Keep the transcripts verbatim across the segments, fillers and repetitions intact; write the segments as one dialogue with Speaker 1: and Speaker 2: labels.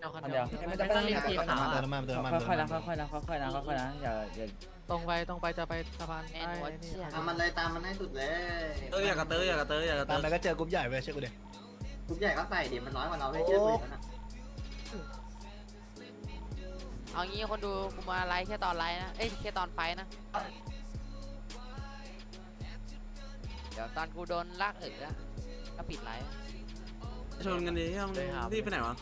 Speaker 1: คันเดียว
Speaker 2: มันจะต้องรีบทีขาว
Speaker 3: เติมน้ำมันเติมน้ำมัน
Speaker 2: ค่อยๆนะค่อยๆนะค่อยๆนะค่อยๆนะอย่าอย่า
Speaker 1: ตรงไปตรงไปจะไปสะพาน
Speaker 4: แอนหัวเชี่ย
Speaker 5: ตามมันเลยตามมันให้สุดเลย
Speaker 6: เตอร์อยากกระเตอร์อยากกระเตอร์อยากกระเต
Speaker 3: ตา
Speaker 6: อ
Speaker 3: ม
Speaker 6: ร์
Speaker 3: ไปก็เจอกรุ๊ปใหญ่เว้ยเชื่อกูดิ
Speaker 5: กรุ๊ปใหญ่ก็ใส่ดิมันน้อยกว่าเราไม่เชื่อกูนะ
Speaker 4: เอางี้คนดูกูมาไลฟ์แค่ตอนไลฟ์นะเอ้ยแค่ตอนไฟนะเดี๋ยวตอนกูโดนลากเอ๋อก็ปิดไลฟ์
Speaker 6: ชนกันดิยังรีบไปไหนวะ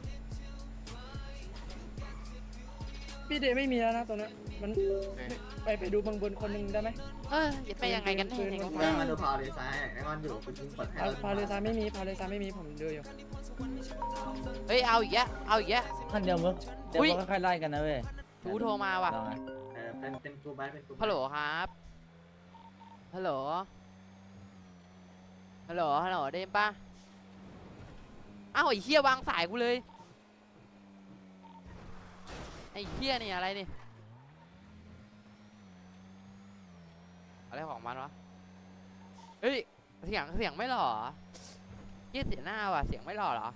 Speaker 2: พี่เดย์ไม่มีแล้วนะตัวนี้มันไปไปดูบางบนคนหนึ่งได้ไหม
Speaker 4: เออจะไปยังไงกันแน่เนี่ย
Speaker 5: แม่มาดูพาวเลยซ้ายไอ้งอนอยู่คุณยิงเปิดให้
Speaker 2: พาพาเลซาไม่มีพาเลซาไม่มีผมดูอยู่
Speaker 4: เฮ้ยเอาอีกแล้วเอาอีกแล้ว
Speaker 2: ท่านเดียวมึงเดี๋ยวค่อยๆไล่กันนะเว้ย
Speaker 4: กูโทรมาว่ะ
Speaker 5: เออเป็นเป็นกูไปเป็นกู
Speaker 4: ฮัลโหลครับฮัลโหลฮัลโหลฮัลโหลได้ยินปะอ้าวไอ้เหี้ยวางสายกูเลยไอ้เหี้ยนี่อะไรนี่อะไรของมันวะเฮ้ยเสียงเสียงไม่หล่อเหี้ยเสียหน้าว่ะเสียงไม่หล่อเหรอ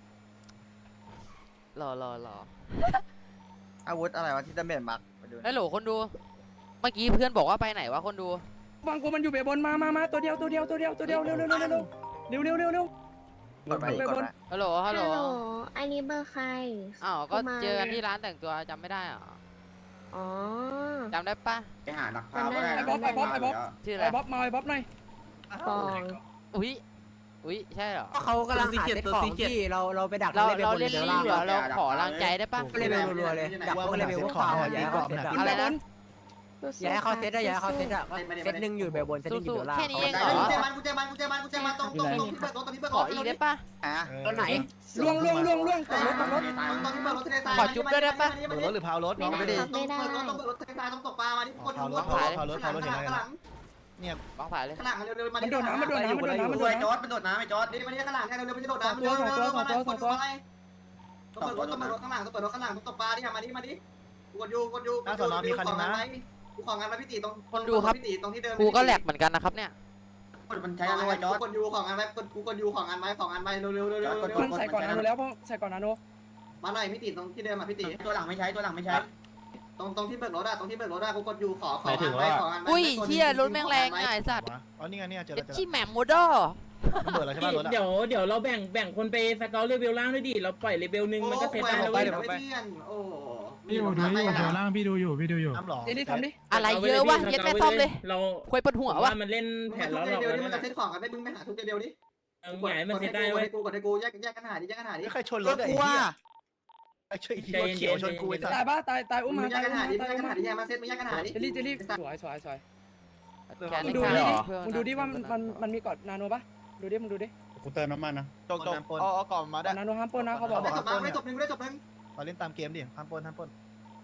Speaker 4: หล่อหล่อหล่อ
Speaker 7: อาวุธอะไรวะที่ดาเมจมักมาดู
Speaker 4: ฮัลโหลคนดูเมื่อกี้เพื่อนบอกว่าไปไหนวะคนดู
Speaker 2: บางกูมันอยู่เบบนมามามาตัวเดียวตัวเดียวตัวเดียวตัวเดียวเร็วเร็วเร็วเร็วเร็วเร็วเร็วเร็วเร็ว
Speaker 7: กดไปกดไป
Speaker 4: ฮัลโหลฮัลโหล
Speaker 8: อันนี้เบอร์ใคร
Speaker 4: อ้าวก็เจอกันที่ร้านแต่งตัวจำไม่ได้เหรอ
Speaker 8: อ๋อ
Speaker 4: จำได้ปะ
Speaker 5: ไปหานักพาวก็ได้
Speaker 2: ไอ้บ๊อบไอ้บ๊อบไอ้บ๊อบ
Speaker 4: ชื่ออะไร
Speaker 2: ไอ้บ๊อบมาไอ้บ๊อบหน่อย
Speaker 8: ฟอง
Speaker 4: อุ้ยอุ้ยใช่เหรอ
Speaker 7: เขากำลังหาเซ็ตของที่เราเราไปดัก
Speaker 4: เราเราเล่นรีบเหรอเราขอรังใจได้ปะ
Speaker 7: เลเวลรัวๆเลยดักพวกเลเวลพวกข่าวอย่าให้เขาเซ็ตอะ
Speaker 4: อะไรนะ
Speaker 7: อย่าให้เขาเซ็ตอะอย่าให้เขาเซ็ตอะเซ็ตหนึ่งอยู่แบบบนเซ็ตหนึ่งอยู่เบลล่าง
Speaker 4: แค่นี้เองเหร
Speaker 5: กู
Speaker 4: อ
Speaker 5: เจมันกูเจมันกูเจมันกูเจมันตรงตรงตรงที่เปิดรถตรงที่เปิด
Speaker 4: ข
Speaker 5: ร
Speaker 4: อ
Speaker 5: ถ
Speaker 4: อีกได้ปะ
Speaker 7: อ่ะ
Speaker 3: ตัวไหน
Speaker 2: ล่วงล่วงล่วงล่วง
Speaker 5: ตรงรถตรงรถตรงที่เปิดรถทะเลทราย
Speaker 3: เปิดรถหรือพาวรถน้องไม่ได้
Speaker 5: ไม่ได้ต้องเปิดรถทะเลทรายต้องตกปลามาที่คนดูรถ
Speaker 3: พาวรถพาวรถเห็นอะไรกันเนี่ย
Speaker 4: บ้องผ่ายเลย
Speaker 5: ข้างหลังเร็วๆมา
Speaker 2: มันโดดน้ำมันโดดน้ำมันโดดน้ำมันโดด
Speaker 5: จอ
Speaker 2: น้ำ
Speaker 5: ดมันโดดน้ำไอ้จอดนี่มาที่ข้างหลังเร็วๆมันจะโดดน้ำเร็วๆเร็วๆเร็วๆมาเลยคนดูอะไรต้องเปิดรถต้องเปิดรถข้างหลังต้องเปิดรถข้างหลังต้องตกปลาดิมาดิมาดิกดยูกดยูกูของงานมาพี่ตีตรงพี่ตีตรงที่เดิม
Speaker 4: กูก็แหลกเหมือนกันนะครับเนี่ย
Speaker 5: กดมันใช้อะไรจอดกดยูของงานไว้กดกูกดยูของงานไว้ของงานไว้เร็วๆเร็วๆเร็วๆ
Speaker 2: มันใส่ก่อนนาโนแล้วเพราะใส่ก่อนนาโน
Speaker 5: มาหน่อยพี่ตีตรงที่เดิมมาพี่ตีตัวหลังไม่ใช้ตัวหลังไม่ใช้ตรงตรงที่เปิดรถอะตรงที่เปิดรถอะกูกดยูขอของงานไว้ของงานไว้
Speaker 4: อุ้ยเชี่ยรถแม่งแรงไงสัตว์
Speaker 3: อ๋อนี่ไงเนี่ยเจอ
Speaker 4: เด็
Speaker 3: แล้วเจอ
Speaker 4: ชี่แหม่มโมเดอร์
Speaker 3: เปิดแล้วใช่ป่ะรถ
Speaker 1: เดี๋ยวเดี๋ยวเราแบ่งแบ่งคนไปสเกลเลเวลล่างด้วยดิเราปล่อยเลเวลหนึ่งมันก็เสร็จได้แล้ว
Speaker 5: ไป
Speaker 1: เว้ย
Speaker 5: เดี๋ยวไปโอ้
Speaker 9: พี่ดูดูอยู่เดี๋ยวล่างพี่ดูอยู่พี่ดูอยู่
Speaker 3: น้ำหล่อ
Speaker 2: เดี๋ยวนี้ทำดิ
Speaker 4: อะไรเยอะวะเย็ดแม่ซ่อมเลย
Speaker 1: เรา
Speaker 4: คุยปวดหัววะ
Speaker 1: ว่ามันเล่นแผ
Speaker 5: แผ่
Speaker 1: น
Speaker 5: น
Speaker 1: ล้
Speaker 5: ล้
Speaker 1: อ
Speaker 5: อ
Speaker 1: หลอก
Speaker 5: เดียว
Speaker 1: แล้ว
Speaker 5: นี่มัน
Speaker 1: นะ
Speaker 5: จะเซ็ตของกันได้มึงไปหาทุกเดียวดิ
Speaker 1: ใหญ่มันเสร็จได้เว้ย
Speaker 5: กูกดให้กูแยกแยกกันหาดิแยกกันหาดิ
Speaker 3: ไม่ใครชนรถไอ้เหี้ยไอ้ช่วยรถเขียวชนกูไอ้สั
Speaker 2: ตาย
Speaker 3: ส
Speaker 2: ป่ะตายตายอุ้ม
Speaker 5: มึ
Speaker 2: มาง
Speaker 5: แย
Speaker 2: ตาก ย
Speaker 5: กัน
Speaker 2: อุ้ม
Speaker 5: หา
Speaker 2: มา
Speaker 5: ดิ
Speaker 2: ตาย
Speaker 5: แยก
Speaker 2: อุ้
Speaker 5: กัน
Speaker 2: ม
Speaker 5: หา
Speaker 2: มา
Speaker 5: ดิแยกมาเซ็ตมึงแยกกันหาดิ
Speaker 2: เจลี่เจลี่สวยสวยสวย
Speaker 4: แค่
Speaker 2: มึง
Speaker 4: นี้
Speaker 2: ดู
Speaker 4: แค่
Speaker 2: ดิ
Speaker 4: เหรอ
Speaker 2: มึงดูดิว่ามันมันมีกอดนาโนป่ะดูดิมึงดูดิ
Speaker 9: กูเติมน้ำมันนะ
Speaker 3: จกจกเอาเอาก่อนมาได้
Speaker 2: นาโนห้ามปนนะเขาบอก
Speaker 5: ได้จบมาได้จบหนึ่งได้จบหนึ่ง
Speaker 3: เราเล่นตามเกมดิห้ามปนห้ามปน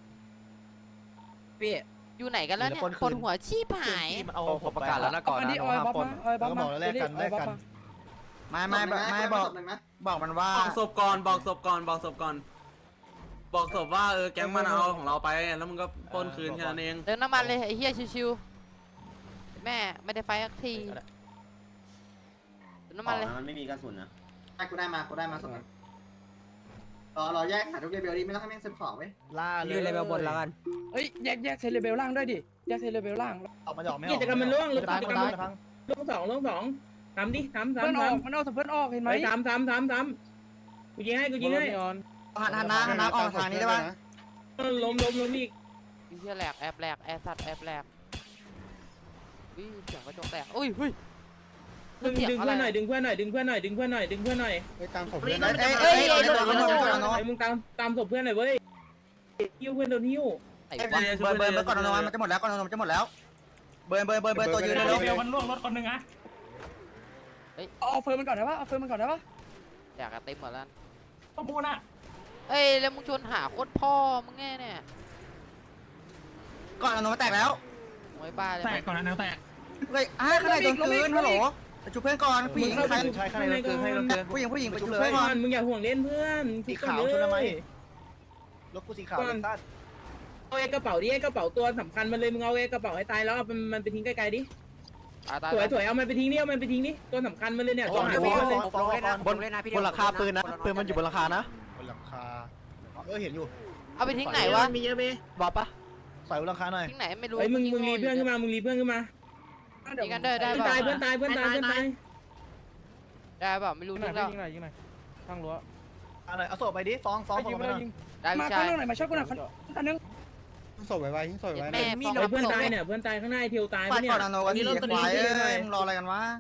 Speaker 7: พี่
Speaker 4: อยู่ไหนกันแล้วเนี่ยปวดหัวชีพหาย
Speaker 3: มันเอาผมประกาศแล้วนะ
Speaker 2: ก่อนอันนี้ออยบ๊อบมาออยบ๊อบมา
Speaker 7: ไม่ไม่ไม่บอกบอกมันว่า
Speaker 6: บอกศพก่อนบอกศพก่อนบอกศพก่อนบอกศพว่าเออแก๊งมันเอาของเราไปแล้วมึงก็ปนคืนแค่นั้นเอง
Speaker 4: เติมน้ำมันเลยไอ้เหี้ยชิวๆแม่ไม่ได้ไฟสักทีเติมน้ำมันเลย
Speaker 5: มันไม่มีกระสุนนะได้กูได้มากูได้มาสองรอรอแยกหาทุกเดเบลดิไม่ต้องให้แม่งเซ็ตของไว้
Speaker 3: ล่าเลย
Speaker 7: ยืนเลเวลบนแล้วกัน
Speaker 2: เฮ้ยแยกแยกเซเลเบลล่างด้วยดิแยกเซเลเบลล่าง
Speaker 3: ออกมาออกไม่ออก
Speaker 1: กิจกรรมมันล่วงรถ
Speaker 3: ตาย
Speaker 1: กิจกรร
Speaker 3: ตาม ย
Speaker 1: มัน
Speaker 3: พัง
Speaker 1: ล่วงสองล่วงสองทำดิทำ
Speaker 2: เพื่อน
Speaker 1: ทำ
Speaker 2: อ
Speaker 1: ท
Speaker 2: อกมันเอาเพื่อนออกเห็น
Speaker 1: ำ
Speaker 2: ไหม
Speaker 1: ไปทำทำทำทำกูยิงให้กูยิงให้
Speaker 7: หันหันน้ำหันน้ำออกทางนี้ได้ป่ะ
Speaker 1: ล้มล้มล้มอีก
Speaker 4: ไอ้เหี้ยแหลกแอบแหลกแอบสัตว์แอบแหลกอุ้ยเสียงกระจกแตกอุ้ยอุ้ย
Speaker 1: ดึงดึงเพื่อนหน่อยดึงเพื่อนหน่อยดึงเพื่อนหน่อยดึงเพื่อนหน่อยดึงเพื่อนหน่อย
Speaker 9: ไปตามผมเลย
Speaker 7: เอ้ยเอ้ยเอ้ยโดนโดนโดนโดน
Speaker 1: ไอ้มึงตามตามศพเพื่อนหน่อยเว้ยหิ้วเพื่อนโดนหิ้ว
Speaker 4: ไอ้
Speaker 7: เบิ
Speaker 4: วะ
Speaker 7: ร์นเบิร์นเบิร์นก่อนนอนมันจะหมดแล้วก่อนนอนมันจะหมดแล้วเบิร์นเบิร์นเบิร์นเบิร์นตัวยืนเร็ว
Speaker 9: เดี๋ยวมันล่วงรถคนหนึ่งอะ
Speaker 2: เอาเฟิร์มมันก่อนได้ปะเอาเฟิร์มมันก่อนได้ปะ
Speaker 4: อยากกระเต็มหมดแล้ว
Speaker 9: ต้องพูดนะ
Speaker 4: เอ้ยแล้วมึงชวนหาโคตรพ่อมึงแง่เนี่ย
Speaker 7: ก่อนนอนมันแตกแล้ว
Speaker 4: โวยบ้าเลย
Speaker 9: แตกก่อนนะแนวแตก
Speaker 7: เฮ้ยอ่ะข้างในโดนคืนฮัลโหลจุบเพื่อนก่อนผู้หญิงใคร
Speaker 3: ใช่ข้างในเราเกินให้เราเกิน
Speaker 7: ผู้หญิงผู้หญิงไปจุบ
Speaker 1: เพื่
Speaker 7: เพื่
Speaker 1: อ
Speaker 7: อน นก่อน
Speaker 1: มึงอย่าห่วงเล่นเพื่อน
Speaker 3: สีขาวชนทำไมรถกูสีขาวสั้น
Speaker 1: เอาไอ้กระเป๋าดิไอ้กระเป๋าตัวสำคัญมันเลยมึงเอาไอ้กระเป๋าให้ตายแล้วเอามันไปทิ้งไกลๆดิ
Speaker 4: ตายตาย
Speaker 1: สวยสวยเอามันไปทิ้งดิเอามันไปทิ้งดิตัวสำคัญมันเลยเนี่ยตัวหา
Speaker 3: บ
Speaker 1: พี่มันเลย
Speaker 3: นบนบนหลังคาปืนนะปืนมันอยู่บนหลังคานะบนหลังคาเออเห็นอยู่
Speaker 4: เอาไปทิ้งไหนวะ
Speaker 1: มีเยอะไหม
Speaker 7: บอกปะ
Speaker 3: ใส่บนหลังคาหน่อย
Speaker 4: ทิ้งไหนไม่รู้
Speaker 1: เฮ้ยมึงมึงรีเพื่อนขึ้นมามึงรีเพื่อนขึ้นมา
Speaker 4: ทิ้งกันได้ได้
Speaker 1: เพื่อน
Speaker 4: ป่ะ
Speaker 1: ตายเพื่อนตายเพื่อนตายเพื่อนตาย
Speaker 4: ได้ป่ะไม่รู้
Speaker 2: ยิงหน่
Speaker 4: ทิ้
Speaker 2: อย
Speaker 4: งแล้ว
Speaker 2: ยิงหน่อยยิงหน่อยข้างรั้ว
Speaker 3: เอาหน่อยเอาศพไปดิฟ้องฟ้อง
Speaker 2: ไป
Speaker 3: ฟ้อง
Speaker 2: ยิง
Speaker 3: ไป
Speaker 2: ไป
Speaker 3: หน่อย
Speaker 2: ยิง
Speaker 4: ได้
Speaker 2: มา
Speaker 4: พี่
Speaker 2: ข้า
Speaker 4: ชาง ย
Speaker 2: นอกหน่อยมาช่วยกูหน่อยคันนึง
Speaker 3: ศพไว้ไว้ทิ้งศพไว้
Speaker 4: แม่มี
Speaker 1: เฮ้ยเพื่อนตายเนี่ยเพื่อนตายข้างหน้าไอ้เทียวตาย
Speaker 3: ปั
Speaker 1: ปะ
Speaker 3: ด
Speaker 1: เนี่ย
Speaker 3: ก่อนนะโนวันนี้รถตัวนี้เลยมึงรออะไรกันวะ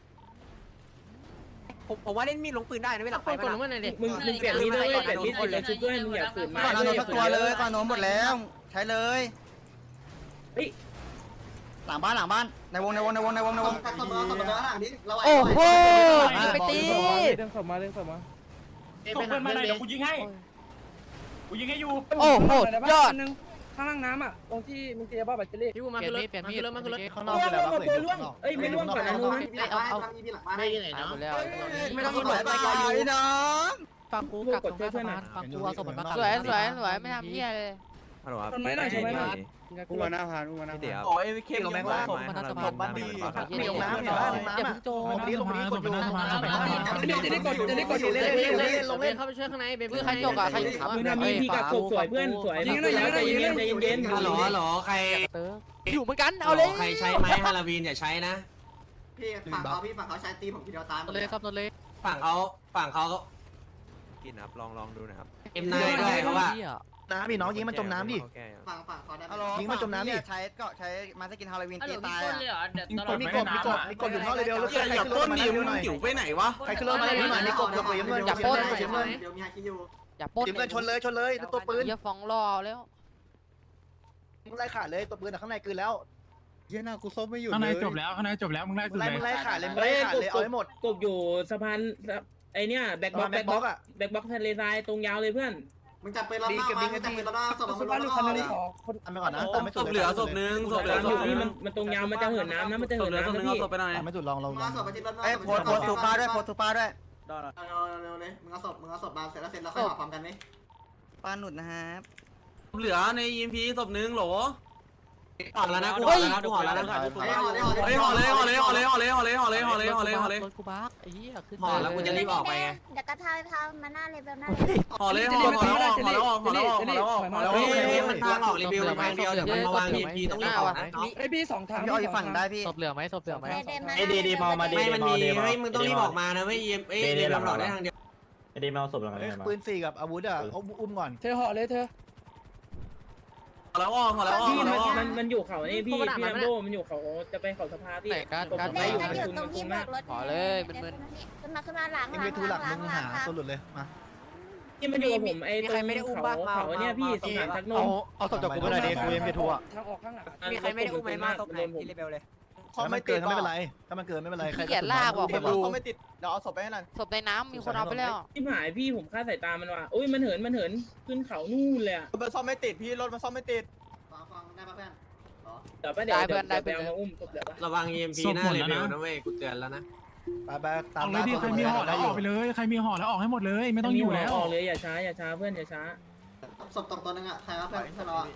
Speaker 7: ผมผมว่าเล่นมีดลงปืนได้นะเวลาไป
Speaker 1: มึงมึงเปลี่ยนมีดด้วยเปลี่ยนมีดเลยชุดด้วยมึงอย่าฝืนมา
Speaker 3: ก่อนนะโนสักตัวเลยก่อนโนหมดแล้วใช้เลย
Speaker 1: เฮ้ย
Speaker 3: หลังบ้านหลังบ้านในวงในวงในวงในวงในวง
Speaker 5: ตัดตัวตัดตัวหลังดิเรา
Speaker 4: โอ้โหยิงไปตี
Speaker 2: เรื่องสมมาเรื่องสมมา
Speaker 9: ส่งเพื่อนมาหน่อยเดี๋ยวกูยิงให้กูยิงให้อยู่
Speaker 4: โอ้โหยอด
Speaker 2: นึงข้างล่างน้ำอ่ะตรงที่มึงเตียบ้าแบตเตอรี่
Speaker 7: พี่กูมาขึ้นรถเปลี่ยนมีดมาขึ้นรถ
Speaker 3: ข้างนอก
Speaker 1: ล่ว
Speaker 3: คื
Speaker 1: ง
Speaker 3: ออะไร
Speaker 1: ล่วง
Speaker 3: วะ
Speaker 1: ตัวล่วงเอ้ยไม่ล่วงก่อนนะนู้น
Speaker 5: เอาเอาทำอีพีหลังบ้านได้ยังไง
Speaker 4: ตายหมดแล้ว
Speaker 3: ไม่ต้องหมดไปก่อนพี่น้อง
Speaker 7: ฟังกูกักตรงหน้าสะพานฟังกูเอาสมบัติมา
Speaker 4: สวยสวยสวยไม่ทำเหี้ยเลย
Speaker 2: ต้นไม้หน่อยใช่ไหมหน่อย
Speaker 3: กูมาหน้าพานกูมาหน้าพาน
Speaker 6: โอ้ยเข้ม
Speaker 3: ลงแมงล่าง
Speaker 7: สมบัติสะพาน
Speaker 3: บ้านดีมีลงน้ำเห็นป่ะลงน้ำอ่ะ
Speaker 9: โจมตีลงมาตบไปหน้าสะพานตบไปหน้าสะพาน
Speaker 2: จะได้กดจะได้กดอยู่เล่นเล่นเล่น
Speaker 7: ลงเล่นเข้าไปช่วยข้างในเบบี้
Speaker 4: ใครจกอ่ะใครอยู่วะ
Speaker 1: มึงทำมีพี่กับศพสวยเพื่อนสวยใจเย็นใจเย็น
Speaker 6: ฮัลโหลฮัลโหลใคร
Speaker 4: อยู่เหมือนกันเอาเลย
Speaker 6: ใครใช้ไม้ฮาลาวีนอย่าใช้นะ
Speaker 5: พี่ฝั่งเขาพี่ฝั่งเขาใช้ตีผมทีเดียวตาม
Speaker 7: เลยครับนนเลย
Speaker 6: ฝั่งเขาฝั่งเขา
Speaker 10: กินครับลองลองดูนะครับ
Speaker 6: เอ็มนายด้วยเพราะว่า
Speaker 3: น้ำพี่น้องยิงมันจมน้ำดิ
Speaker 5: ฝั่งฝั่งเขาได้
Speaker 3: ยิงมันจมน้ำดิ
Speaker 10: ใช้ก็ใช้มาสกินฮาโลวีนตีตาย
Speaker 9: ยิงกด
Speaker 3: มี
Speaker 9: ไม่
Speaker 3: ก
Speaker 9: ได้
Speaker 3: บมีกบ
Speaker 9: น้ำ
Speaker 3: มีกบอยู่ท่อเลยเดียวแล้ว
Speaker 6: อย่า
Speaker 3: ใคร
Speaker 6: อย่า
Speaker 3: ขึ้นร
Speaker 6: ป้
Speaker 3: ถ
Speaker 6: น
Speaker 3: มา
Speaker 6: ดิ
Speaker 3: เร็ว
Speaker 6: มึง
Speaker 3: หน่อย
Speaker 6: จิ๋วไปไหนวะ
Speaker 3: ใครขึ้นรถมาเร็วหน่อยมีกบกับปืนหน่อย
Speaker 4: อย่าปล้น
Speaker 5: เดี๋ยวมีฮาคิอยู่
Speaker 4: อย่าปล้น
Speaker 3: ยิงกันชนเลยชนเลยตัวปืน
Speaker 4: อย่าฟ้องรอแล้ว
Speaker 3: มึงไล่ขาดเลยตัวปืนข้างในคืนแล้วเฮียหน้ากูส้มไม่อยู่
Speaker 9: ข้างในจบแล้วข้างในจบแล้วมึงได้สุด
Speaker 3: ไล่
Speaker 9: เล
Speaker 3: มึง
Speaker 9: ย
Speaker 3: ไล่ขาดเลยมึงไล่ขาดเลยเอาให้หมด
Speaker 1: กบอยู่สะพานไอเนี้ยแบ็คบ็อก
Speaker 3: แบ็
Speaker 1: แบ็
Speaker 3: ค
Speaker 1: ค
Speaker 3: บ็
Speaker 1: บ็
Speaker 3: อ
Speaker 1: อก ก
Speaker 3: อ่ะ
Speaker 1: แบ็คบ็อกทะเลทรายตรงยาวเลยเพื่อน
Speaker 5: มึงจับปืนรอบหน้ามามึงจับปืนรอบหน้าศพ
Speaker 2: สุ
Speaker 5: มัน
Speaker 2: ภาพ
Speaker 5: ร
Speaker 2: ลู
Speaker 5: อก บ
Speaker 2: คัน
Speaker 5: ห
Speaker 2: นึ
Speaker 5: น้าง
Speaker 2: ขอคน
Speaker 3: ทำไปก่อนนะตามไม่
Speaker 6: ศ
Speaker 3: สุด
Speaker 6: พเหลือศพนึงศพเหลือศ
Speaker 1: อยู่
Speaker 6: พนึ
Speaker 1: นี่
Speaker 6: ง
Speaker 1: มันมันตรงยาวมันจะเหินน้ำนะมันจะ
Speaker 6: ศ
Speaker 1: เหิ
Speaker 6: พ
Speaker 1: น
Speaker 6: เหลือศพ
Speaker 1: น้ำ
Speaker 6: นึ
Speaker 1: นะ
Speaker 6: งเอา
Speaker 1: พี่
Speaker 6: ศพไปหน่อย
Speaker 3: ตามไม่สุดลองลองล
Speaker 5: มา
Speaker 3: อง
Speaker 5: ศพไปที่รถหน้า
Speaker 10: เอ้ยโพสโพสทูป้าด้วยโพสทูป้าด้วย
Speaker 5: เร็วเร็วเลยมึงเอาศพมึงเอาศพมาเสร็จแล้วเสร็จแล้วค่อยหาพร้อมกันไหม
Speaker 10: ป้าหนุดนะครับ
Speaker 6: เหลือในยีมพีศพนึงโหลห่อแล้วนะกูห่อแล้วนะกูห่อแล้วนะ
Speaker 5: ไอ้ห่อได้ห่อ
Speaker 6: เฮ้ยห่อเลยห่อเลยห่อเลยห่อเลยห่อเลยห่อเลยห่อเลยห่อเลยห่อเลย
Speaker 7: รถกูบักไอ้เหี้ยขึ้น
Speaker 6: ห่อแล้วกูจะรีบออกไปไง
Speaker 8: เดี๋ยวกระทายพามาหน้าเลยแบบหน้าเลย
Speaker 6: ห่อเลยห่อห่อแล้วห่อแล้วห่อแล้วห่อแล้วห่อแล้ว
Speaker 5: เฮ้ยมันทางออกรีวิวทางเดียวเดี๋ยวมันมาวางยีมพีต้องรีบออกนะ
Speaker 2: ไอพี่สองทาง
Speaker 10: พี่อ้อยฝั่งได้พี่
Speaker 7: ศพเหลือไหมศพเหลือไหม
Speaker 8: ได้มา
Speaker 5: ไอ้ดีดีพอมาดีไม่มันมีเฮ้ยมึงต้องรีบออกมานะไม่ยีมเอ้ยรีบออกได้ทางเดียว
Speaker 3: ปืนสี่กับอาวุธอ่ะเอาอุ้มก่อน
Speaker 2: เธอห่อเลยเธอ
Speaker 6: ห่อแล้วห่อแล้วห่อ
Speaker 1: พี่มัน
Speaker 6: แล้ว
Speaker 1: มันมันอยู่เขานี่พี่พี่ลัมโบมันอยู่เขาจะไปเขาสภาพี่
Speaker 8: เด็กกันอยู่ตรงที่บอกรถขึ้นมาขึ้นมาหลัง
Speaker 3: เอ็
Speaker 8: ห
Speaker 3: ม
Speaker 8: ลั
Speaker 3: วี
Speaker 8: ง
Speaker 3: ทูห
Speaker 8: ห
Speaker 3: ลั
Speaker 8: ลั
Speaker 3: ก
Speaker 8: ง
Speaker 3: มึง
Speaker 8: หลั
Speaker 3: หาง
Speaker 8: หลัง
Speaker 3: ตัวหลุดเลยมา
Speaker 1: ที่มันอยู่กับผมไอ้ตรงเขาเขาเนี่ยพี่สถานทักน
Speaker 3: เอา
Speaker 1: ม
Speaker 3: เอาศพจากกูไปหน่อยดิกูเอ็มวีทูอ่ะ
Speaker 2: ทางออกข้างหลัง
Speaker 7: มีใครไม่ได้อุ้มไหมมาศพไหนที่เลเวลเลย
Speaker 3: ถ้ามันเกินก็ไม่เป็นไรถ้ามันเกินไม่เป็นไรใคร
Speaker 4: ขี้เกียจลากว่ะคนดู
Speaker 3: ไม่ติดเดี๋ยวเอาศพไปให้หน่อย
Speaker 4: ศพในน้ำมีคนเอาไปแล้ว
Speaker 1: ที่หายพี่ผมคาดสายตามันว่ะอุ้ยมันเหินมันเหินขึ้นเขานู่นเลยอ่ะ
Speaker 3: มันซ่อมไม่ติดพี่รถมันซ่อมไม่ติด
Speaker 5: ฟังฟังได้ป่ะเพื่อน
Speaker 1: เดี๋ยวไปเดี๋ยวเดี๋ยวไปเอามาอุ้มศพเดี๋ยว
Speaker 6: ระวังยีมพีหน้าเลเวลนะเว้ยกูเตือนแล้วนะ
Speaker 3: ไปไปตา
Speaker 9: อ
Speaker 3: ม
Speaker 9: อกเลยดิใครมีห่อแล้วออกไปเลยใครมีห่อแล้วออกให้หมดเลยไม่ต้องอยู่แล้ว
Speaker 1: ออกเลยอย่าช้าอย่าช้าเพื่อนอย่าช้า
Speaker 5: ศพตกตัวนึงอ่ะใครวะเพื่อนเพื่อนเราอ่ะ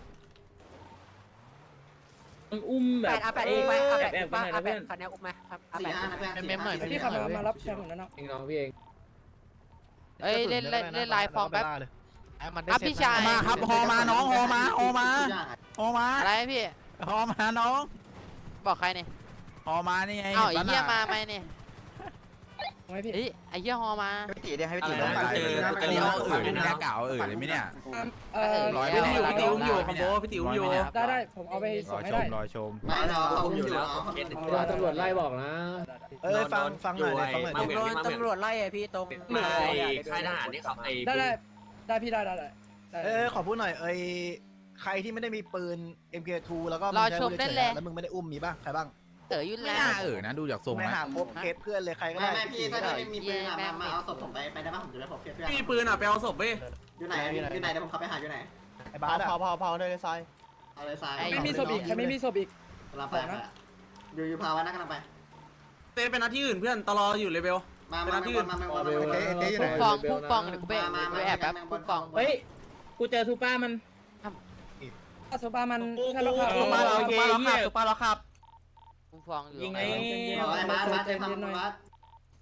Speaker 1: มันอุ้มแบ
Speaker 7: แป
Speaker 1: บ
Speaker 7: ดอาแปด
Speaker 1: แอ
Speaker 7: อุ้มไหมอาแป
Speaker 1: บ
Speaker 7: ด
Speaker 1: แอ
Speaker 7: อุ้
Speaker 1: บ
Speaker 7: ม
Speaker 1: กัน
Speaker 7: ป่ะ
Speaker 1: หน่อย
Speaker 7: อา
Speaker 1: นะ
Speaker 7: แป
Speaker 1: เพื่อน
Speaker 7: ดคันนี้อุ้มไหมครับอา
Speaker 5: สี่
Speaker 7: แปด
Speaker 5: ห้านะเพื่อน
Speaker 7: เมมหน่อย
Speaker 2: พี่ขับมารับแชมป์เหมือนนั้นเนาะ
Speaker 4: เอ้ยเล่นเล่นเล่นลายฟองแป๊บ
Speaker 7: มันได้
Speaker 4: อ่ะพี่ชาย
Speaker 3: มาครับฮอมาน้องฮอมาฮอมาฮอมา
Speaker 4: อะไรพี่
Speaker 3: ฮอมาน้อง
Speaker 4: บอกใครเนี่ย
Speaker 3: ฮอมานี่ไง
Speaker 4: อ้าวไอ้เหี้ยมาไหมเนี่ย
Speaker 2: ไงพี่
Speaker 4: เฮ้ยไอ้เหี้ยฮอมา
Speaker 10: พี่ตีเดี๋ยวให้พี่
Speaker 6: อะไร
Speaker 10: ตีลง
Speaker 6: นะ
Speaker 10: ไป
Speaker 6: เจอเจอเลี้ยวอื่นเลยนะ
Speaker 3: เก่าเออเลยไหมเนี่ย
Speaker 2: เออ
Speaker 4: ร้อย
Speaker 6: พี่ติ๋วพี่ติ๋วอยู่คอมโบพี่ติ๋วอยู่
Speaker 2: ได้ได้ผมเอาไปส่งให้ได้
Speaker 3: รอยชม
Speaker 5: ไม่เราเขาอยู่แล้ว
Speaker 1: ตำรวจไล่บอกนะ
Speaker 3: เอ้ยฟังฟังหน่อยเลยฟังหน่อย
Speaker 6: มา
Speaker 3: ดิ
Speaker 6: เหมือน
Speaker 7: ตำรวจไล่ไอพี่ตรง
Speaker 6: มาค่ายทหารนี่เขาไอ้
Speaker 2: ได้ได้ได้พี่ได้ได้ได้
Speaker 3: เออขอพูดหน่อยเอ้ยใครที่ไม่ได้มีปืน เอ็ม เค ทู แล้วก็
Speaker 4: รอชมได้เลย
Speaker 3: แล้วมึงไม่ได้อุ้มมีบ้างใครบ้าง
Speaker 4: เต๋อยุ่น
Speaker 3: ไม่
Speaker 4: แล้ว
Speaker 3: น่าเออนะดูจากทรงไม่หาพบเคสเพื่อนเลยใครก็
Speaker 5: ไม่
Speaker 3: ได้
Speaker 5: ไม่พี่ถ้าไม่มีปืนมามาเอาศพผมไปไปได้ป่ะผมจะได้ผมเพื่อน
Speaker 6: มีปืนอ่ะไปเอาศพเว้ย
Speaker 5: อยู่ไหนอยู่ไหนเดี๋ยวผมขับไปหาอยู่ไหน
Speaker 3: ไอ้บ้าสอะ
Speaker 10: พอพอพอเลยซ้าย
Speaker 5: เอาเลยซ้าย
Speaker 2: ไม่มีศพอีกใครไม่มีศพอีก
Speaker 5: กำลังไปอยู่อยู่พาวันนะกำลังไป
Speaker 6: เต้เป็นหน้าที่อื่นเพื่อนตลออยู่เลเวล
Speaker 5: มามามามามามา
Speaker 4: พุ่งฟองพุ่งฟองเดี๋ยวกูไปไปแอบแป๊บพุ่งฟอง
Speaker 1: เฮ้ยกูเจอทูป้ามัน
Speaker 2: สุภามัน
Speaker 1: โอ้โห
Speaker 2: แค่เราขับ
Speaker 3: สุป้าเราสุป้าเราขับสุป้าเราขับ
Speaker 4: พุ่งฟองอยู่
Speaker 1: ยิงไง
Speaker 5: ไอ้บ้านบ้านใจฟังบ้าน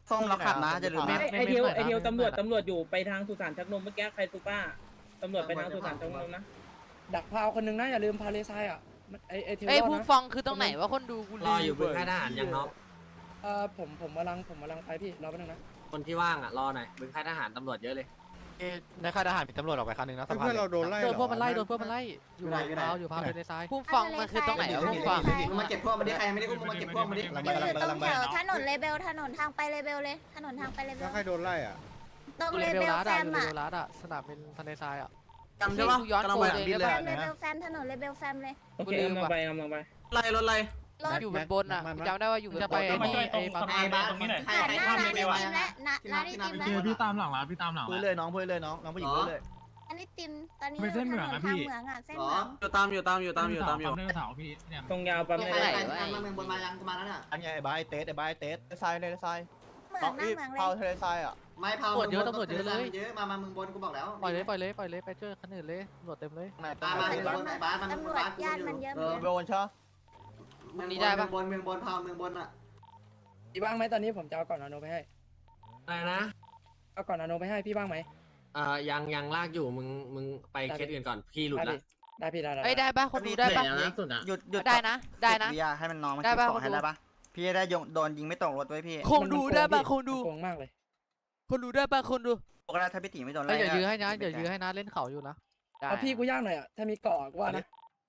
Speaker 10: ส้มเราขัดนะจะลืม
Speaker 1: ไอ้
Speaker 10: นะ
Speaker 1: ไอเทียวไอเทียวตำรวจตำรวจอยู่ไปทางสุสานชักนมเมื่อกี้ใครซูป้าตำรวจไปทางสุสานชักนมนะ
Speaker 2: ดักพาวคนหนึงนะอย่าลืมพาเลทรายอ่ะมันไอไอเทล
Speaker 4: ไอ้ย
Speaker 2: รอด
Speaker 4: ผู้
Speaker 2: นะ
Speaker 4: ฟังคือตรงไหนวะคนดูกู
Speaker 7: รออยู่บนค่ายทหารยังน้อง
Speaker 2: เออผมผมกำลังผมกำลังไปพี่รอแป๊บนึงนะ
Speaker 7: คนที่ว่างอ่ะรอหน่อยบนค่ายทหารตำรวจเยอะเลย
Speaker 11: ในค่ายทหารมีตำรวจออกไปคันหนึ่งนะสะพาน
Speaker 10: เพื่อนเราโดนไล่
Speaker 11: โดนพวกมันไล่โดนพวกมันไล่
Speaker 5: อยู่ไหนอยู่ไหนอยู่พาไปใน
Speaker 4: ผู้ฟังมันคือตรงไหนวะผู้ฟัง
Speaker 5: มึงมาเก็บพวกมาดิใครไม่ได้อุ้มมึงมาเก็บพวกมาดิ
Speaker 3: ลัง
Speaker 8: อ
Speaker 3: ไป
Speaker 8: ยู่
Speaker 3: ลังไป
Speaker 8: ตร
Speaker 3: ลั
Speaker 8: ง
Speaker 3: ง
Speaker 8: แถ
Speaker 3: ไป
Speaker 8: วถนนเลเบลถนนทางไปเลเบลเลยถนนทางไปเลเบล
Speaker 10: แล้วใครโดนไล่อ่ะ
Speaker 8: ตรงเลเบลแฟมอ่ะ
Speaker 7: รัดอ่ะสนามเป็นทะเลทรายอ่ะ
Speaker 6: จำใช่ปะ
Speaker 4: ย้อน
Speaker 6: กำลัง
Speaker 4: โก
Speaker 6: ไป
Speaker 4: ย
Speaker 3: บิน
Speaker 4: เล
Speaker 3: เลย ย
Speaker 8: เล
Speaker 3: นะ
Speaker 8: เบลแฟมถนนเลเบลแฟมเลย
Speaker 1: โอเคกำลังไปกำลังไป
Speaker 6: ไล่รถไล่
Speaker 8: รถ
Speaker 4: อยู่บนบนอ่ะจำได้ว่าอยู่บน
Speaker 7: จะ
Speaker 4: บ
Speaker 7: ไป
Speaker 4: น
Speaker 7: ไอ้นี่ไอ้
Speaker 9: สะพานตรงนี้หน่อย
Speaker 5: ใคร
Speaker 8: ผ่าน
Speaker 5: ใคร
Speaker 8: หน้า
Speaker 5: ข้าม
Speaker 8: ร้าน
Speaker 5: เล
Speaker 8: ไอ
Speaker 5: เบล
Speaker 8: ติม
Speaker 5: อะ
Speaker 8: และนะร้านไอติม
Speaker 5: ที่
Speaker 8: แล้ว
Speaker 5: น้ำ
Speaker 9: พี่ตามหลังร้านพี่ตามหลัง
Speaker 3: พูดเลยน้องพูดเลยน้องน้องผู้หญิงพูดเลย
Speaker 8: อันนี้ติมตอนนี้
Speaker 9: ไปเส้นเหมือง
Speaker 8: ถ
Speaker 9: อะ
Speaker 8: น
Speaker 9: พี่
Speaker 8: ทางเหมืองอ่ะเส้น
Speaker 5: หร
Speaker 8: เห
Speaker 5: อ
Speaker 8: มือง
Speaker 6: อยู่ตามอยู่ตามอยู่ตามอยู่ตามอยู่
Speaker 9: เรื่องเสาพี่เนี่ย
Speaker 1: ตรงยาวปั๊ม
Speaker 5: ใค
Speaker 1: เล
Speaker 5: ร
Speaker 1: ย
Speaker 5: ใครใครมาเมืองบนมายังกูมาแล้วน่ะ
Speaker 3: อันนี้ไอ้บ้าไอ้เต๊ดไอ้บ้าไอ้เต๊ดทรายเลยทราย
Speaker 8: เหมืองนั่งเหมืองเลย
Speaker 3: เผาทะเลทรายอ่ะ
Speaker 5: ไม่เผาเยอะมามาเมืองบนกูบอกแล้ว
Speaker 7: ปล่อยเลยปล่อยเลยปล่อยเลยไปเจอคันอื่นเลยตำรวจเต็มเลย
Speaker 3: ไหน
Speaker 5: มามาเมืองบนไหนบ้านมัน
Speaker 8: ตำรวจ
Speaker 5: บ้านกู
Speaker 8: ญาติ
Speaker 5: อยู่
Speaker 8: มันเยอะ
Speaker 5: เอ
Speaker 8: เหมือ
Speaker 5: อน
Speaker 3: โดนใช่
Speaker 5: เมืองบนเมืองบนเมืองบนเผาเมืองบนอ่ะ
Speaker 2: พี่บ้างไหมตอนนี้ผมจะเอาก่อนนาโนไปให้
Speaker 7: อะไรนะ
Speaker 2: เอาก่อนนาโนไปให้พี่บ้างไหม
Speaker 7: อ่ายังยังลากอยู่มึงมึงไปเคสอื่นก่อนพี่หลุด
Speaker 2: ได้
Speaker 7: ละ
Speaker 2: พี่ได้พี่ได้ได้
Speaker 4: เอ้ยได้ปะคนดูได้ปะ
Speaker 10: หยุดหยุด
Speaker 4: ได้นะ ได้นะ
Speaker 10: วิยาให้มันน้องมัน
Speaker 4: ได้
Speaker 10: เก็บ
Speaker 4: ปะ
Speaker 10: ของให้
Speaker 4: คนดู
Speaker 10: ได้ปะพี่จะได้ยงโดนยิงไม่ตกรถไว้พี่
Speaker 4: คงดูได้ปะคงดู
Speaker 2: โกงมากเลย
Speaker 4: คนดูได้ปะคนดู
Speaker 10: ปกติถ้าพี่ตีไม่โดน
Speaker 7: เอ้ย
Speaker 10: ไล่
Speaker 7: เดี๋ยวยื้อให้นะเดี๋ยวยื้อให้นะเล่นเขาอยู่นะ
Speaker 4: ได้
Speaker 2: เอาพี่กูย่างหน่อยอ่ะถ้ามีเกาะก็ว่านะ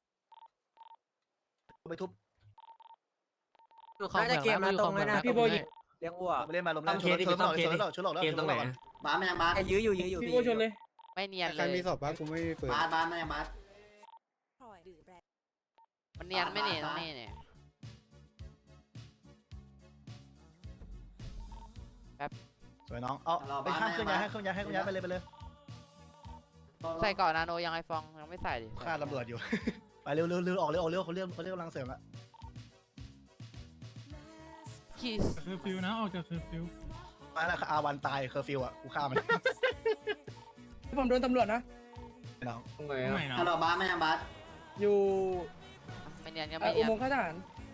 Speaker 3: ไปทุบ
Speaker 7: อยู่เขาเหมืองนะอยู่เขาเหมืองนะ
Speaker 1: พี่โบยิง
Speaker 7: เลี้ยงวัว
Speaker 3: ไปเล่นมาลมเล่นชนชนหน่อยชนหน่อยชนหน่อย
Speaker 7: เกมตรงไหน
Speaker 5: บ้านมันยังบ้าน
Speaker 10: ยื้ออยู่ยื้ออยู่
Speaker 1: พี่โบชนเลย
Speaker 4: ไม่เนียน
Speaker 10: ใคร
Speaker 4: เลย
Speaker 10: มีศพบ้างกูไม่เปิด
Speaker 5: บ้านบ้านมันยังบ้าน
Speaker 4: มันเนียนไม่เนียนตรงนี้เนี่ย
Speaker 3: สวยน้องเอาไปข้ามเครื่องย้ายให้เครื่องย้ายให้เครื่องย้ายไปเลยไปเลย
Speaker 4: ใส่ก่อนนาโนยังไงฟองยังไม่ใส่ดิ
Speaker 3: ฆ่าตำรวจอยู่ ไปเร็วเร็วเร็วออกเร็วออกเร็วเขาเรียกเขาเรียกกำลังเสริมละ
Speaker 4: คิส
Speaker 9: คือฟิวนะออกจากคือฟิว
Speaker 3: มาแล้วอาวันตายเคอร์ฟิวอ่ะกูฆ่ามัน
Speaker 2: ผมโดนตำรวจนะ
Speaker 3: น้อง
Speaker 7: ตรงไหน
Speaker 9: ตรงไหน
Speaker 7: อ่ะ
Speaker 9: เนาะ
Speaker 5: ฮัลโหลบ้านมันยังบ้าน
Speaker 2: อยู่
Speaker 4: ไม่เนียนก็
Speaker 2: เอ่
Speaker 4: ไม่
Speaker 2: ออุ
Speaker 4: เนียน
Speaker 2: โมงค์ข้าทหาร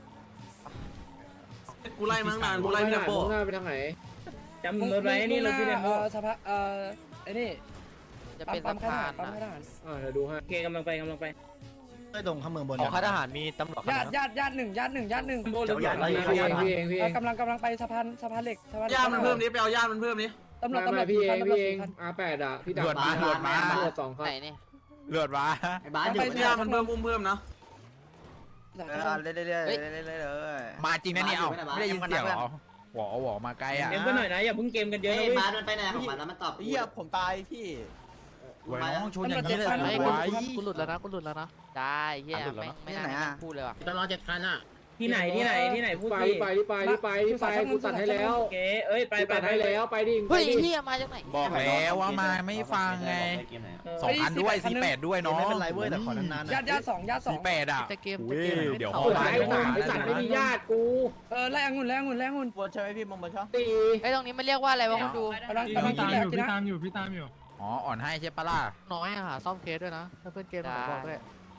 Speaker 6: กูไล่มาตั้งนานกูไล่ไม่ได้โป้
Speaker 7: หน้าไปทางไหน
Speaker 1: จำรถไว้นี่รถพี่เดมโบ
Speaker 2: เอ่อสภาเอ่อไอ้นี่
Speaker 4: จะ
Speaker 2: ปั๊
Speaker 4: เป็
Speaker 2: ม
Speaker 4: น
Speaker 2: ปั๊
Speaker 4: สะ
Speaker 2: มข้า
Speaker 4: พา
Speaker 2: ทหาน รปั๊ม
Speaker 4: นะ
Speaker 2: ข้าทหาร
Speaker 7: อ่าเดี๋ยวดูให้
Speaker 1: โอเคกำลังไปกำลังไป
Speaker 3: ไอ้ดงข้ามเมืองบน
Speaker 11: ของค่ายทหารมีตำรวจ
Speaker 2: ญาติญาติญาติหนึ่งญาติหนึ่งญาติหนึ่ง
Speaker 1: โบหรือ
Speaker 3: เจ้าใหญ่
Speaker 1: เปล่า
Speaker 7: พี่เองพี่เองพี่เอ
Speaker 2: เอ่อง กำลังกำลังไปสะพานสะพานเหล็กสะพานเหล็ก
Speaker 6: ญาติมันเพิ่มนี้ไปเอาญาติมันเพิ่มนี้
Speaker 2: ตำรวจตำรวจ
Speaker 7: พี่
Speaker 2: สี่
Speaker 7: เอ
Speaker 2: คัน
Speaker 7: ง
Speaker 2: ตำรว
Speaker 7: พี่
Speaker 2: จ
Speaker 7: เอ
Speaker 2: สี่
Speaker 7: ง
Speaker 2: คัน
Speaker 7: อาแปดอ่ะพี่ดา
Speaker 11: เลือดมาเลือดมา
Speaker 7: ตำรวจสองคัน
Speaker 4: ไหนนี่
Speaker 11: เลือดมา
Speaker 5: ไอ้บ้านอยู่
Speaker 6: ญาติมันเพิ่มอุ้มเพิ่มนะ
Speaker 10: เออเรื่อยๆเรื่อยๆเรื่อยๆเลย
Speaker 11: มาจริงนะเนี่ยเอ้าไม่ได้ยินเสียงเหรอหวอหวอมาไกลอ่ะ
Speaker 1: เกมก็หน่อยนะอย่าเพิ่งเกมกันเยอะ
Speaker 5: เฮ้
Speaker 1: นะ
Speaker 5: ย
Speaker 1: เว้ย
Speaker 5: บ้านมันไปไหนของมันแล้วมันตอบ
Speaker 10: เฮียผมตายพี่
Speaker 11: หวยน้องชนอย่างนี้เลย
Speaker 2: ตำรวจ
Speaker 4: ไอ้
Speaker 2: เจ็ด
Speaker 4: กู
Speaker 2: คัน
Speaker 7: กูหลุดแล้วนะกูหลุดแล้วนะ
Speaker 4: ได้เฮียไม่ไม่น่าพูดเลยว่ะ
Speaker 7: ตลอดเจ็ดคันอ่ะ
Speaker 1: ที่ไหนที่ไหนที่ไหนพูด
Speaker 7: ไป
Speaker 1: สิ
Speaker 7: ไปที่ไปที่ไปที่ไปกูตัดให้แล้ว
Speaker 1: โอเคเอ้ยไป
Speaker 7: กู
Speaker 1: ไป
Speaker 7: ตัด
Speaker 1: ไป
Speaker 7: ให้แล้วไปดิ
Speaker 4: เฮ้ยเฮียมาจากไหน
Speaker 11: บอกแล้วว่ามาไม่ฟังไงสองพันด้วยสี่แปดด้วย
Speaker 3: น้อง
Speaker 11: เนาะ
Speaker 3: ไม่เป็นไรเว้ยแต่ขอนานๆ
Speaker 2: ญาติญาติสองญาติสอ
Speaker 11: สี่
Speaker 2: ง
Speaker 11: แปดอ่ะ
Speaker 7: จะเกม
Speaker 11: อุ้ยเดี๋ยว
Speaker 7: โอ้
Speaker 11: เขา
Speaker 7: ย
Speaker 11: มา
Speaker 7: ไอ้
Speaker 11: เดี๋ยว
Speaker 7: ห
Speaker 11: มา
Speaker 7: ไอ้สัตว์ไม่มีญาติกู
Speaker 2: เออแรงหุ่นแรงหุ่นแรงหุ่น
Speaker 10: บนใช่ไหมพี่มงบนช่อง
Speaker 7: ตี
Speaker 4: ไอ้ตรงนี้มันเรียกว่าอะไรวะคนดู
Speaker 2: กำลัง
Speaker 9: พี่
Speaker 2: กำลังกิน
Speaker 9: ตาม
Speaker 2: แหล
Speaker 9: อก ยู่
Speaker 2: กิน
Speaker 9: พี่
Speaker 2: นะ
Speaker 9: ตามอยู่พี่ตามอยู่
Speaker 11: อ๋ออ่อนให้ใช่ปะล่ะ
Speaker 7: น้อยอ่ะซ่อมเคสด้วยนะถ้าเพื่อนเกมผมบอกด้วย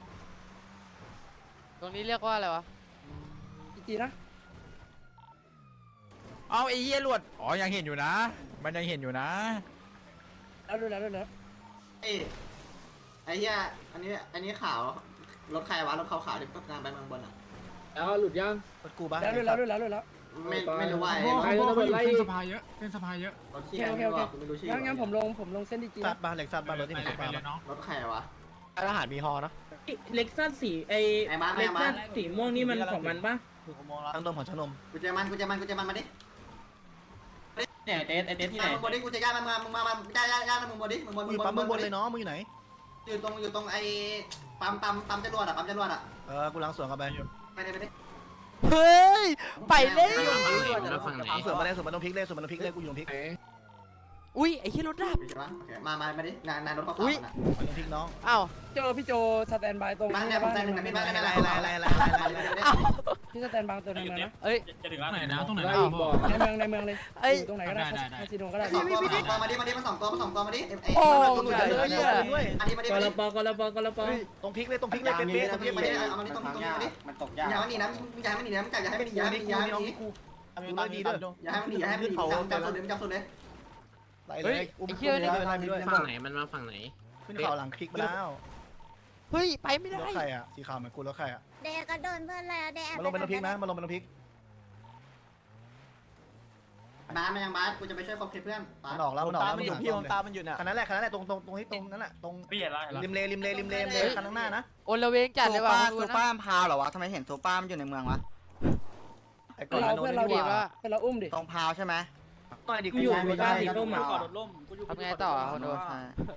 Speaker 4: ตรงนี้เรียกว่าอะไรวะ
Speaker 2: อีกทีนะ
Speaker 11: เอาไอ้เหี้ยหลวดอ๋อยังเห็นอยู่นะ มันยังเห็นอยู่นะ
Speaker 2: แล้วดูแล้วดูแล้ว
Speaker 5: ไอ้ไอ้เหี้ยอันนี้อันนี้ข่าวรถใครวะรถขาวๆที่ต้องการไปเมืองบนอ่ะ
Speaker 7: แล้วหลุดยัง
Speaker 3: รถกูบ้า
Speaker 2: แล้วดูแล้วดูแล้วดูแล้ว
Speaker 5: ไม่ไม่รู้ว่า
Speaker 9: โอ้
Speaker 5: ไอ้
Speaker 9: โหเขาอยู่เส้นสภาเยอะเส้นสภาเยอะ
Speaker 5: รถที่ไม่รู้ไม่รู้ชื่อ
Speaker 2: งั้นงั้นผมลงผมลงเส้นดีจี
Speaker 3: ซัดบ้านเหล็กซัดบ้านรถที่
Speaker 9: ไป
Speaker 3: ไหน
Speaker 9: เลยไป
Speaker 3: บ้าน
Speaker 9: เลยน้อง
Speaker 5: รถใครวะ
Speaker 10: ทหารมีฮอนะ
Speaker 1: เล็กซัสสีไอ
Speaker 5: ไอ้มาร์คไอ้
Speaker 1: เล็ก
Speaker 5: มา
Speaker 1: ซั
Speaker 5: ร์
Speaker 1: ส
Speaker 5: ค
Speaker 1: สีม่วงนี่มันของมันปะ
Speaker 3: ตั้งต้นของชนม
Speaker 5: กูเจอมันกูเจอมันกูเจอมันมาดิ
Speaker 10: เนี่ยเต้ไอเต้ที่ไหน
Speaker 5: มึงบนดิกูจะย่ามันมามึงมามึงย่าย่าย่ามึงบนดิมึงบน
Speaker 3: มึงอยู่ปั๊มเมืองบนเลยน้องมึงอยู่ไหน
Speaker 5: อยู่ตรงอยู่ตรงไอ้ปั๊มปั๊มปั๊มจรวดอ่ะปั๊มจรวดอ่ะ
Speaker 3: เออกูล้างสวนกันไป
Speaker 5: ไปเลยไปเลย
Speaker 4: เฮ้ยไปเล่น
Speaker 3: ล้างสวนมาได้สวนมันต้องพลิกเลยสวนมันต้องพลิกเลยกูอยู่ตรงพลิก
Speaker 4: อุ้ยไอ้เฮียรถดับ
Speaker 5: ใช่ปะโอเคมามามาดินานนานรถเขาขับนะ
Speaker 3: มันต้องพลิกน้อง
Speaker 4: อ้าว
Speaker 2: โจพี่โจสแตนบายตรง
Speaker 5: บ้านเนี่ยผมใจหนึ่งนะพี่บ้าน
Speaker 3: อะไร
Speaker 5: อะไร
Speaker 3: อะไรอะไรอะไรอะไร
Speaker 4: อ้าว
Speaker 2: พี่สแตนบายตัวในเมืองนะ
Speaker 4: เอ้ย
Speaker 9: จะถึงร้านไหนนะตรงไหน
Speaker 7: ไล่
Speaker 9: นะ
Speaker 7: บอก
Speaker 2: ในเมืองในเมืองเลย
Speaker 4: เอ้ย
Speaker 2: อยู่ตรงไหนก็ได้
Speaker 9: ได้ได้
Speaker 2: คาสิโนก็ได้
Speaker 5: สองตัวสองตัวมาดิมาดิมาสองตัวมาสองตัวมาดิไอ้
Speaker 4: โอ้
Speaker 5: ตัว
Speaker 4: ย
Speaker 5: ใหญ่
Speaker 4: เหี้
Speaker 5: เลย
Speaker 4: ย
Speaker 3: ด้วย
Speaker 5: อันนี้มาดิ
Speaker 1: ก
Speaker 5: มา
Speaker 1: ระ
Speaker 5: ดิ
Speaker 1: ปอกระปอกระปอ
Speaker 3: ตรงพลิกเลยตรงพลิกเลยเป๊ะๆตรงพลิก
Speaker 5: มา
Speaker 3: เป๊ะ
Speaker 5: ดิเอามาดิตรงตรงนี้มาดิ
Speaker 10: มันตก
Speaker 5: อย่ามันหนีนะมึงอย่าให้มันหนีนะมึงอย่าให้มันหนีอย่าให้มันหนีอย่าให้มันหนี
Speaker 3: กูดูเลยดีด้วย
Speaker 5: อย่าให้มันหนีอย่าให้มันหนีจับจับส่วนเลยจับส่วนเลย
Speaker 3: ไล่เลยอุ้มขึ้นเลยไล่ไปด้วย
Speaker 10: ฝั่งไหนมันมาฝั่งไหน
Speaker 3: ขึ้นเขาหลังคลิกมาแล้ว
Speaker 4: เฮ้ยไปไม่ได้
Speaker 3: รถใครอ่ะสีขาวเหมือนกูรถใครอ่ะ
Speaker 8: เดก็โดนเพื่อนแล้วเดแอบ
Speaker 3: มาลงเป็นน้ำพริกนะมาลงเป็นน้ำพริก
Speaker 5: บาสมันยังบาสกูจะไปช่วยคบเพื่อนบา
Speaker 3: มั
Speaker 5: ส
Speaker 3: นออกแล้วมันออก
Speaker 10: ตา
Speaker 3: แล้ว
Speaker 10: มันอยู่พี่ผมตามันอยู่เนี่ย
Speaker 3: คันนั้นแหละคันนั้นแหละตรงตรงตรงที่ตรงนั้นแหละตรง
Speaker 9: พี่เห็นแล้วเห็นแล้ว
Speaker 3: ริมเลริมเลริมเลริมเลคันข้างหน้านะ
Speaker 4: โอนละเวงจัดเลยว่ะ
Speaker 7: ซูป้ามพาวเหรอวะทำไมเห็นซูป้ามอยู่ในเมืองวะ
Speaker 3: ไอ้ก่อน
Speaker 2: เรา
Speaker 3: โด
Speaker 2: เพื่
Speaker 3: น
Speaker 2: อนเรา
Speaker 3: ดี
Speaker 2: ดิ
Speaker 3: ว่า
Speaker 2: เพื่อนเราอุ้มดิ
Speaker 7: ตรงพาวใช่ไหม
Speaker 3: ต่อยดิ
Speaker 1: กูอยู่บนบ้านสีส้มอ่ะ
Speaker 4: ทำไงต่อคนดู
Speaker 7: ใช่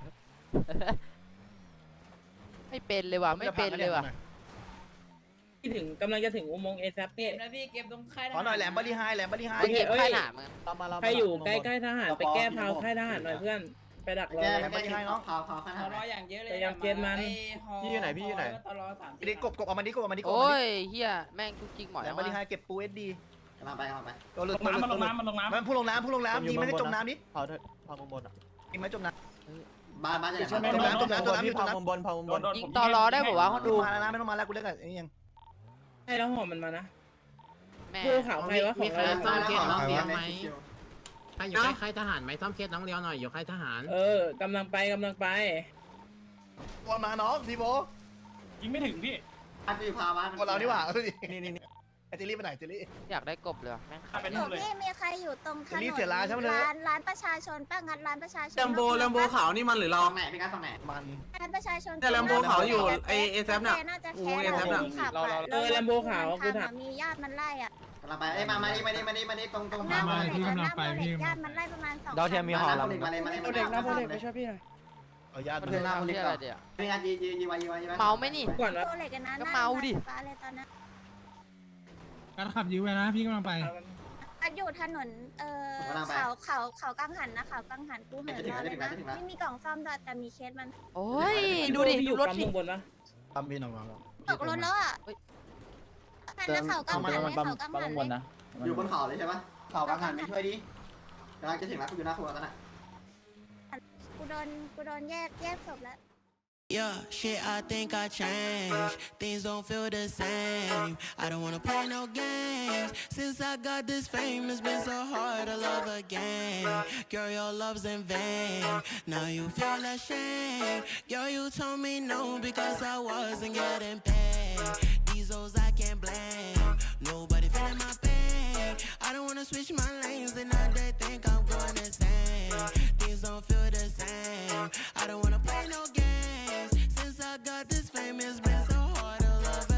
Speaker 4: ไม่เป็นเลยว่ะไม่เป็นเลยว่ะ
Speaker 1: ที่ถึงกำลังจะถึงอุโมงค์เอซับเนี่ย
Speaker 3: ขอหน่อยแหลมบริไฮแหลมบริไฮ
Speaker 4: ไปเก็บค่ายหนามมึง
Speaker 10: ตามมาเรา
Speaker 1: ใครอยู่ใกล้ใกล้ทหารไปแก้พาวค่ายทหารหน่อยเพื่อนไปดักรอ
Speaker 5: แก้
Speaker 1: เลย
Speaker 5: แก้ให้น้องเผาเผาข้างหน้า
Speaker 1: พยายามเกณฑ์มัน
Speaker 10: พี่อยู่ไหนพี่อยู่ไหน
Speaker 3: ดิกบกบเอามาดิกบเอามาดิกบ
Speaker 4: โอ้ยเฮียแม่งทุกจริงหมอ
Speaker 3: แหล
Speaker 4: แล้
Speaker 3: ม
Speaker 4: ว
Speaker 3: บริไฮ
Speaker 4: วะ
Speaker 3: เก็บปูเอสดี
Speaker 5: กำลังไปกำลังไป
Speaker 3: ตัวหลุด
Speaker 9: ลงน้ำมันลงน้ำมันลงน้ำ
Speaker 3: มันพุ่งลงน้ำพุ่งลงน้ำยิงไม่ได้จมน้ำนิด
Speaker 10: เผาเถอะเผามุมบนอ่ะ
Speaker 3: ยิงไม่จมน้
Speaker 5: บาสบาสจะ
Speaker 3: ำจมน้ำจมน้ำจมน้ำ
Speaker 10: พี่
Speaker 3: จม
Speaker 10: เผา
Speaker 3: น้ำ
Speaker 10: มุมบนเผามุมบน
Speaker 4: ยิงต่อรอได้บอกว่าคนดู
Speaker 3: มาแล้วนะไม่ต้องมาแล้วกูเล่นกับไอ้นี่ยัง
Speaker 1: ให้แล้วหอมมันมานะ
Speaker 4: แม่
Speaker 1: กูขาวใครวะของเรา
Speaker 5: ซ่อมเคสน้องเลี้ยงไหม
Speaker 10: ใครอยู่ค่ายทหารไหมซ่อมเคสน้องเลี้ยวหน่อยอยู่ค่ายทหาร
Speaker 1: เออกำลังไปกำลังไป
Speaker 3: ตัวมาน้องทีโบ
Speaker 9: ยิงไม่ถึงพี่
Speaker 5: บาสอยู่พาวาส
Speaker 3: ตัวเรานี่หว่านี่นี่นี่ไอ้เจลี่ไปไหนเจลี่
Speaker 4: อยากได้กบเลยว่ะแม่ง
Speaker 9: ขับไป
Speaker 8: หนู
Speaker 9: นู่นเลย
Speaker 8: พี่มีใครอยู่ตรงถน
Speaker 3: เดี๋ยวนี้
Speaker 8: น
Speaker 3: เสียร้านใช่ไหมเลย
Speaker 8: ร้านร้านประชาชนป้างัดร้านประชาชน
Speaker 6: แลมโบแลมโบขาวนี่มันหรือเรา
Speaker 5: ฝั่งไหนพี่กัสฝั่งไหน
Speaker 3: มัน
Speaker 8: ร้านประชาชน
Speaker 6: แต่แลมโบขาวอยู่ไอเอแซฟน่ะ
Speaker 8: น่าจะ
Speaker 6: โอ้
Speaker 8: แค่
Speaker 6: เอแซฟน่ะ
Speaker 8: ขับ
Speaker 1: เออแลมโบขาวกูถาม
Speaker 8: มีญาติมันไล่อ่ะ
Speaker 5: กำลังไปเอ้ยมามาดิมาดิมาดิมาดิตรงตรง
Speaker 8: หน้า
Speaker 5: พาว
Speaker 8: โม
Speaker 5: าส
Speaker 8: เล็กหน้าโมเล็กญาติมันไล่ประมาณสอง
Speaker 7: ดาวเทียมมีหอ
Speaker 5: มา
Speaker 7: ลำ
Speaker 5: เลยมาเลยมาเลย
Speaker 2: เอาเด็กนะพวกเด็กไปช่วยพี่หน่อย
Speaker 3: เอาญาติ
Speaker 5: เพื่อนหน้า
Speaker 4: เอา
Speaker 5: คน
Speaker 4: เฮี
Speaker 5: นี้
Speaker 4: ย
Speaker 5: ก่
Speaker 4: อะ
Speaker 5: อน
Speaker 4: ไรเดี๋ยว
Speaker 5: นี่ยัดยียียีไว้ยีไว้ยีไว้
Speaker 4: เมาไหมนี่
Speaker 1: ก่อนวะ
Speaker 8: โมเล็กกันนะ
Speaker 4: ก็เมาดิ
Speaker 8: ฟ้าเลยตอนนั้น
Speaker 11: การขับยื้อไว้นะพี่กำลังไป
Speaker 8: อันอยู่ถนนเอ่อเขาเขาเขากังหันนะเขากังหันกูเหินรอเลยนะไม่มีกล่องซ่อมด้วยแต่มีเคสมัน
Speaker 4: โอ้ยดูดิ
Speaker 1: พี่อ
Speaker 4: ดู
Speaker 1: ยู่
Speaker 4: รถ
Speaker 1: ปั๊ม
Speaker 4: ดิ
Speaker 1: ข้างบนวะ
Speaker 3: ปั๊มพี่น้อง
Speaker 8: ตกรถแล้วอ่ะนั่นนะเขากังหันเลยเขากังหันเลย
Speaker 5: อยู่บนเขาเลยใช่ปะเขากลางหันไม่ช่วยดิกำลังจะถึงแล้วกูอยู่หน้าครัวแล้วนะ
Speaker 8: กูโดนกูโดนแยกแยกศพแล้ว
Speaker 12: Yeah, shit, I think I changed. Things don't feel the same. I don't wanna play no games. Since I got this fame, it's been so hard to love again. Girl, your love's in vain. Now you feel ashamed. Girl, you told me no because I wasn't getting paid. These hoes I can't blame. Nobody feeling my pain. I don't wanna switch my lanes and now they think I'm going insane. Things don't feel the same. I don't wanna play no games. Since I got this fame, it's been so hard to love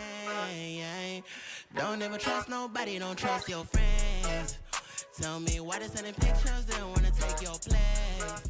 Speaker 12: again. Don't ever trust nobody, don't trust your friends. Tell me why they sending pictures, they don't wanna take your place.